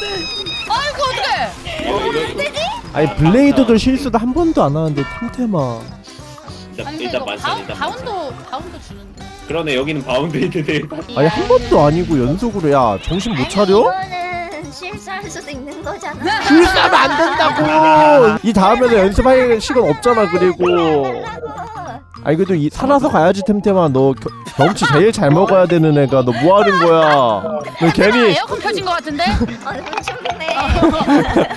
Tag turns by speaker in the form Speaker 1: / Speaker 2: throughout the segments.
Speaker 1: 아이고 어떡해.
Speaker 2: 아니 블레이드도 실수도 한 번도 안 하는데 템템아.
Speaker 1: 아니 근데
Speaker 3: 일단
Speaker 1: 이거
Speaker 3: 만찬 일단 만찬.
Speaker 1: 바운드 주는데.
Speaker 3: 그러네 여기는 바운드 있는데.
Speaker 2: 아니 한 번도 아니고 연속으로 야 정신 못 차려?
Speaker 4: 이거는 실수할 수도 있는 거잖아.
Speaker 2: 실수하면 안 된다고. 이 다음에는 연습할 시간 없잖아. 그리고 아니 그래도 살아서 가야지 템템아. 너 경치 제일 잘 먹어야 되는 애가 너 뭐 하는 거야? 너 괜히
Speaker 1: 에어컨 켜진 거 같은데?
Speaker 4: 얼굴 춥네.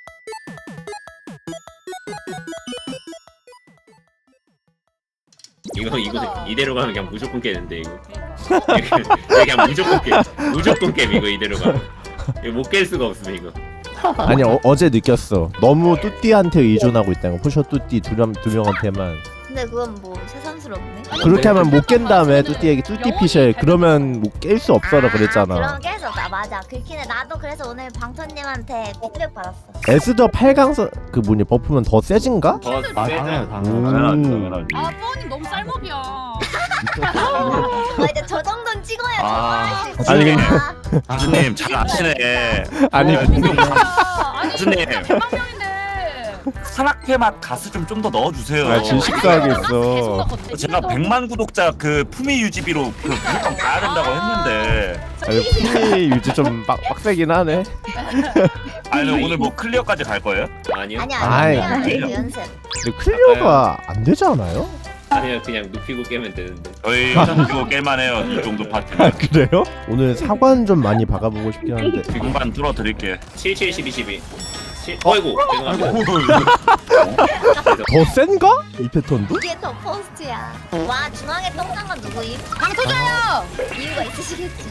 Speaker 3: 이거 이대로 가면 그냥 무조건 깨는데 이거. 그냥 무조건 깨 이거 이대로 가면. 이거 못 깰 수가 없음 이거.
Speaker 2: 아니 어제 느꼈어. 너무 뚜띠한테 의존하고 있다는 거. 포셔 뚜띠 두 명한테만.
Speaker 4: 근데 그건 뭐 새삼스럽네.
Speaker 2: 그렇게 하면 못 깬 다음에 뚜띠에게 뚜띠 피셜 그러면 못 깰 수 없어라 그랬잖아.
Speaker 4: 그럼 계속 나 맞아. 그렇긴 해. 나도 그래서 오늘 방토님한테 피드백 받았어.
Speaker 2: 에스더 8강선 그 뭐니 버프면 더 세진가?
Speaker 3: 더
Speaker 5: 당연하죠,
Speaker 2: 당연하죠.
Speaker 1: 아 뻔히 너무 쌀먹이야.
Speaker 4: 이제 저 정도는 찍어야
Speaker 5: 아.
Speaker 4: 저
Speaker 2: 아니,
Speaker 5: 가수님 잘 아시네.
Speaker 2: 아니
Speaker 1: 아니
Speaker 5: 교수님.
Speaker 1: 대망명인데.
Speaker 5: 산악회 맛 가수 좀 더 넣어주세요.
Speaker 2: 아, 질식사하게 있어.
Speaker 1: 계속 넣었거든.
Speaker 5: 제가 100만 구독자 그 품위 유지비로 그 무조건 가야 된다고 했는데.
Speaker 2: 아니 피 유지 좀 빡세긴 하네.
Speaker 5: 아니 오늘 뭐 클리어까지 갈 거예요?
Speaker 3: 아니요.
Speaker 2: 아이.
Speaker 4: 아니야. 연습.
Speaker 2: 근데 클리어가 안 되지 않아요?
Speaker 3: 아니요 그냥 눕히고 깨면 되는데.
Speaker 5: 저희 이거 깰만해요. 이 정도 파티는.
Speaker 2: 그래요? 오늘 사관 좀 많이 박아보고 싶긴 한데.
Speaker 5: 지금만 뚫어드릴게.
Speaker 3: 77 12 12. 어이구 죄송합니다.
Speaker 2: 더 센가? 이 패턴도?
Speaker 4: 이게 더 포스트야. 와 중앙에 똥싼 건 누구임?
Speaker 1: 강토자요.
Speaker 4: 이유가 있으시겠지.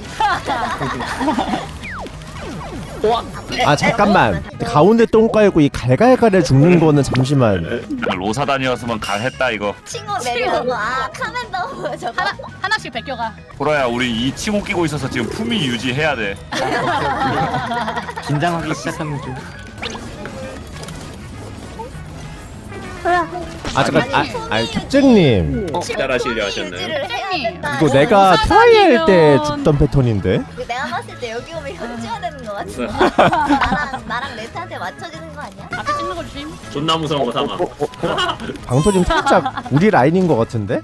Speaker 2: 아 잠깐만. 가운데 똥 깔고 이 갈갈갈에 죽는 거는 잠시만.
Speaker 5: 로사단이었으면 갈했다 이거.
Speaker 4: 친구 내려오고 아 카멘더 저거.
Speaker 1: 하나씩 베껴가.
Speaker 5: 보라야 우리 이 칭호 끼고 있어서 지금 품위 유지해야 돼.
Speaker 6: 긴장하기 시작하면 좀
Speaker 2: 아 잠깐. 아니 특쟁님.
Speaker 3: 기다라시려 하셨나요?
Speaker 4: 유지를 해야 된다.
Speaker 2: 이거 내가 트라이 할 때 죽던 패턴인데.
Speaker 4: 이거 내가 봤을 때 여기 오면 현지화 되는 거 같은데. 나랑 레트한테 맞춰주는 거 아니야?
Speaker 1: 앞에 찍는 거 조심.
Speaker 3: 존나 무서운 거 삼아.
Speaker 2: 방토님 살짝 우리 라인인 것 같은데?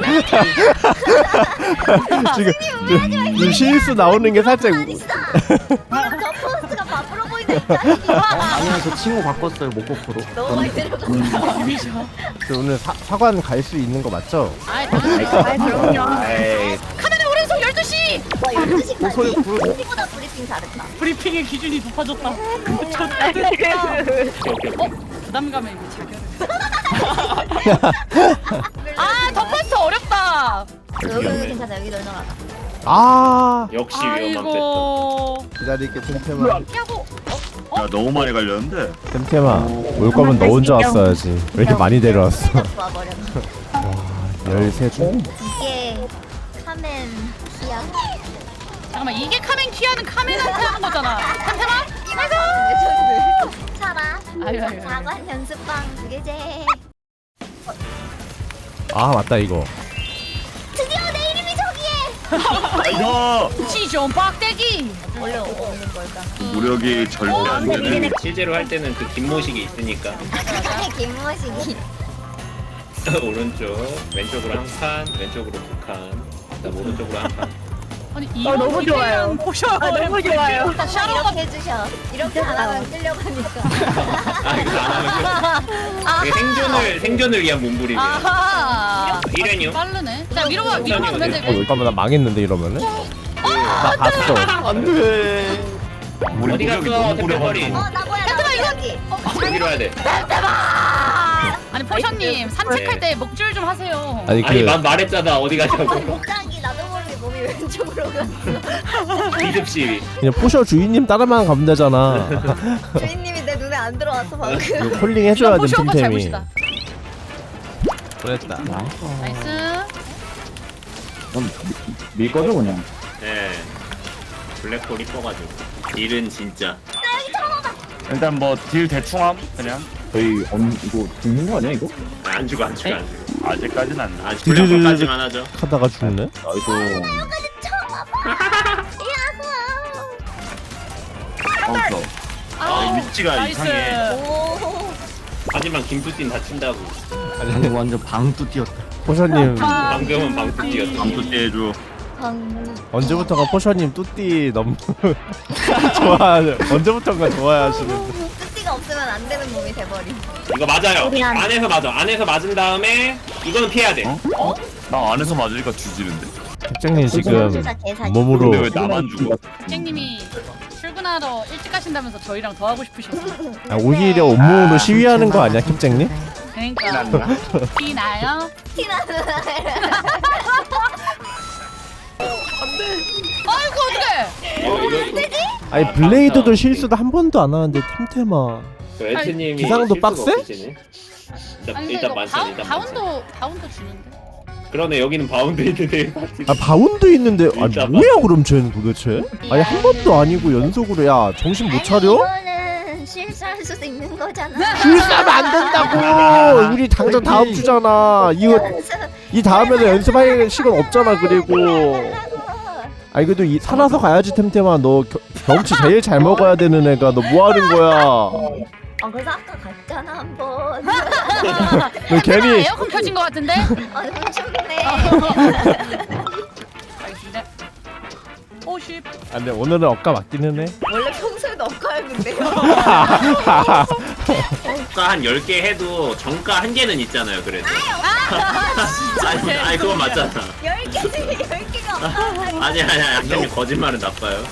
Speaker 2: 지금 실수 나오는 게 살짝
Speaker 4: 아니야. 저 포스트가 바쁘러 보인다니까.
Speaker 6: 아니야 저 친구 바꿨어요 목코프로.
Speaker 4: 너무 많이 들어가.
Speaker 2: 그 오늘 사관 갈 수 있는 거 맞죠?
Speaker 1: 아이 그럼요.
Speaker 3: 에이
Speaker 1: 카메라 오른손 12시.
Speaker 4: 와 12시까지. 우리보다 브리핑 잘했다.
Speaker 1: 브리핑의 기준이 높아졌다. 부담감에 이거 자결을. 더 포스트 어렵다.
Speaker 4: 여기는 괜찮아. 여기 널널하다.
Speaker 2: 아
Speaker 3: 역시 위험한 패턴.
Speaker 1: 아이고.
Speaker 2: 기다릴게 템템아.
Speaker 1: 피하고.
Speaker 5: 야 너무 많이 갈렸는데.
Speaker 2: 템템아 올 거면 너 혼자 왔어야지. 왜 이렇게 많이 데려왔어?
Speaker 4: 와버렸네.
Speaker 2: 13중?
Speaker 4: 이게 카멘 키야.
Speaker 1: 잠깐만 이게 카멘 키하는 카멘한테 하는 거잖아. 템템아?
Speaker 4: 차라.
Speaker 1: 아유, 아유.
Speaker 4: 사관 연습방 두 개제.
Speaker 2: 아 맞다 이거.
Speaker 4: 드디어 내 이름이 저기에.
Speaker 5: 이거
Speaker 1: 지존 빡대기.
Speaker 4: 원래 없는 걸까?
Speaker 5: 무력이 절대 안 되는.
Speaker 3: 실제로 할 때는 그 김모식이 있으니까
Speaker 4: 김모식이.
Speaker 3: 오른쪽 왼쪽으로 한 칸, 왼쪽으로 두 칸, 그다음 오른쪽으로 한 칸.
Speaker 1: 아니 이거 너무 좋아요. 보셔. 너무 좋아요. 샤로가
Speaker 4: 이렇게 해주셔. 이렇게 안 하면 끌려가니까.
Speaker 3: 아 이거 안 하면 이게 생존을 위한 몸부림이에요.
Speaker 1: 아하.
Speaker 3: 이래뇨?
Speaker 1: 빠르네. 자 위로 가면 되게.
Speaker 2: 잠깐만 나 망했는데 이러면은? 나 갔어.
Speaker 6: 안돼.
Speaker 5: 우리
Speaker 3: 어디
Speaker 5: 무력이
Speaker 3: 갔어,
Speaker 5: 너무
Speaker 3: 택배거리?
Speaker 5: 무력하네.
Speaker 4: 나 뭐야 나 여기.
Speaker 3: 여기로 와야 돼.
Speaker 1: 아니 포션님 산책할 때 목줄 좀 하세요.
Speaker 2: 아니
Speaker 3: 아니
Speaker 2: 그
Speaker 3: 난 말했잖아 어디 가자고.
Speaker 4: 목장기 나도 모르게 몸이 왼쪽으로 갔어.
Speaker 3: 비습 시위.
Speaker 2: 그냥 포셔 주인님 따라만 가면 되잖아.
Speaker 4: 주인님이 내 눈에 안 들어왔어 방금.
Speaker 2: 이거 콜링 해줘야 돼
Speaker 1: 포션 오빠
Speaker 2: 템템이.
Speaker 1: 잘못이다.
Speaker 2: 그랬다.
Speaker 1: 나이스.
Speaker 6: 밀 거죠 그냥.
Speaker 3: 네. 블랙홀 이뻐가지고. 딜은 진짜.
Speaker 5: 일단 뭐 딜 대충함 그냥.
Speaker 6: 저희 이거 죽는 거 아니야 이거?
Speaker 3: 안 죽어 안 죽어 안 죽어.
Speaker 5: 아직까지는 안 나.
Speaker 3: 아직 블랙홀까지만 하죠.
Speaker 2: 하다가 죽네.
Speaker 6: 나이스.
Speaker 4: 야호.
Speaker 5: 바운서.
Speaker 1: 아,
Speaker 5: 위치가
Speaker 1: 나이스.
Speaker 5: 이상해.
Speaker 4: 오.
Speaker 3: 하지만 김두띠는 다친다고.
Speaker 2: 아니
Speaker 6: 완전 방뚜 뛰었다.
Speaker 2: 포션님
Speaker 3: 방금은 방뚜 뛰었어.
Speaker 5: 방도 떼줘.
Speaker 2: 언제부턴가 포션님 뚜띠 너무 좋아. 언제부턴가 좋아하시는데.
Speaker 4: 뚜띠가 없으면 안 되는 몸이 돼버림.
Speaker 3: 이거 맞아요.
Speaker 4: 미안.
Speaker 3: 안에서 맞아. 안에서 맞은 다음에 이거는 피해야 돼.
Speaker 5: 어? 나 안에서 맞으니까 뒤지는데.
Speaker 2: 캡장님 지금
Speaker 4: 진짜 개사기.
Speaker 2: 몸으로
Speaker 5: 근데 왜 나만 죽어?
Speaker 1: 객님이 출근하러 일찍 가신다면서 저희랑 더 하고 싶으셔서.
Speaker 2: 오히려 온몸으로 시위하는 거 아니야 캡장님?
Speaker 1: 그러니까 티 나요?
Speaker 4: 티나는.
Speaker 1: 아이고 어떡해.
Speaker 2: 아니 블레이드도 실수도 한 번도 안 하는데 템템아.
Speaker 3: 그 에트님이
Speaker 2: 기상도
Speaker 3: 실수가
Speaker 2: 빡세?
Speaker 3: 없으시네.
Speaker 1: 아니 근데
Speaker 3: 일단
Speaker 1: 이거
Speaker 3: 만찬 일단 만찬.
Speaker 1: 바운도 주는데.
Speaker 3: 그러네 여기는 바운드 있는데.
Speaker 2: 아 바운드 있는데 아니
Speaker 3: 진짜
Speaker 2: 뭐야 그럼 쟤는 도대체? 아니 한 번도 아니고 연속으로 야 정신 못 차려?
Speaker 4: 이거는 실수할 수도 있는 거잖아.
Speaker 2: 실수하면 안 된다고. 우리 당장 다음 주잖아. 이 다음에는 연습할 시간 없잖아. 그리고 아니 그래도 살아서 가야지 템템아. 너 경치 제일 잘 먹어야 되는 애가 너 뭐 하는 거야?
Speaker 4: 그래서 아까 갔잖아 한번.
Speaker 2: 너 괜히
Speaker 1: 에어컨 켜진 것 같은데?
Speaker 4: 훔쳤네.
Speaker 1: 알겠습니다. 50.
Speaker 2: 아 근데 오늘은 엇가 맞기는 해.
Speaker 4: 원래 평소에도 엇가요 근데요.
Speaker 3: 정가 한 10개 해도 정가 1개는 있잖아요 그래도. 아니 그건 맞잖아.
Speaker 4: 10개, 10개가 없다.
Speaker 3: 아니 양념이 거짓말은 나빠요.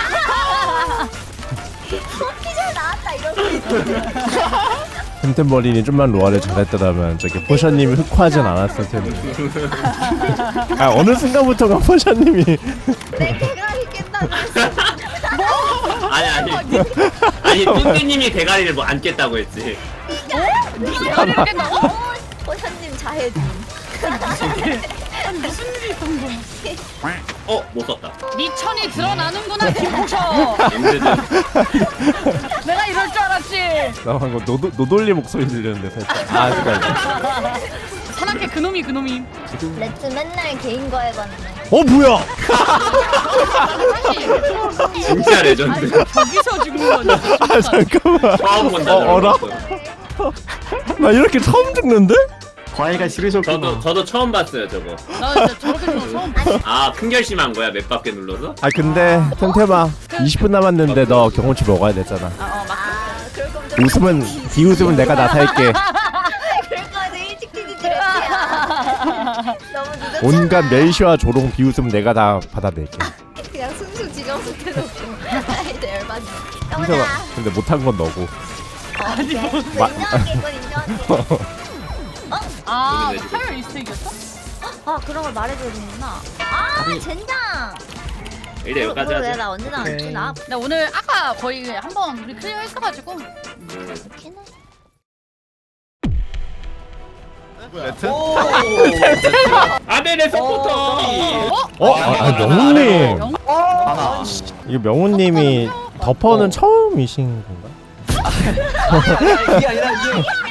Speaker 4: 피자 나왔다 이러고.
Speaker 2: 템템버린이 좀만 로아를 잘했더라면 저기 포션님이 흑화하진 않았을 텐데. 아 어느 순간부터가 포션님이
Speaker 4: 내 대가리 깬다고 했어.
Speaker 3: 아니 뚱띠님이 대가리를 뭐 안 깼다고 했지.
Speaker 1: 대가리를 깬다고?
Speaker 4: 포션님 자해준.
Speaker 1: 무슨 일이 있던 거야?
Speaker 3: 못 썼다.
Speaker 1: 네 천이 드러나는구나 김포셔.
Speaker 3: 엔드드.
Speaker 1: 내가 이럴 줄 알았지.
Speaker 2: 나 방금 노돌리 목소리 들렸는데 살짝. 아 잠깐.
Speaker 1: 산악회 그놈이.
Speaker 4: 레츠 맨날 개인 거해봤네.
Speaker 2: 뭐야?
Speaker 1: 아니
Speaker 3: 진짜 레전드.
Speaker 1: 저기서 죽는 거지.
Speaker 2: 아 잠깐만.
Speaker 3: 처음 본다.
Speaker 2: 어라? 나 이렇게 처음 죽는데?
Speaker 6: 과외가 싫으셨구나.
Speaker 3: 저도 처음 봤어요 저거.
Speaker 1: 나 진짜 저렇게 죽는 거 처음 봤어.
Speaker 3: 큰 결심한 거야 몇 바퀴 눌러서?
Speaker 2: 아 근데 템템아 20분 남았는데 너 경험치 먹어야 되잖아.
Speaker 4: 그럴 거면 좀
Speaker 2: 비웃음은 내가 다 살게.
Speaker 4: 그럴 거면 일찍 뛰지 레츠야. 너무 늦었잖아.
Speaker 2: 온갖 멸시와 조롱 비웃음 내가 다 받아낼게.
Speaker 4: 그냥 순수 지정수 해놓고. 이제 열받네.
Speaker 2: 템템아
Speaker 4: 영훈아.
Speaker 2: 근데 못한 건 너고.
Speaker 4: 아니 인정할게 이건 인정할게.
Speaker 1: 아 타율 이스택이었어?
Speaker 4: 그런 걸 말해줘야 되는구나. 젠장.
Speaker 3: 일단 여기까지 하자.
Speaker 4: 나 언제 나왔지? 나
Speaker 1: 나 오늘 아까 거의 한번 우리 클리어 했어가지고.
Speaker 4: 그렇긴 해.
Speaker 3: 아벨의 서포터.
Speaker 2: 명훈님.
Speaker 6: 하나.
Speaker 2: 이거 명훈님이 덮어는 처음이신 건가?
Speaker 6: 이게 아니라 이게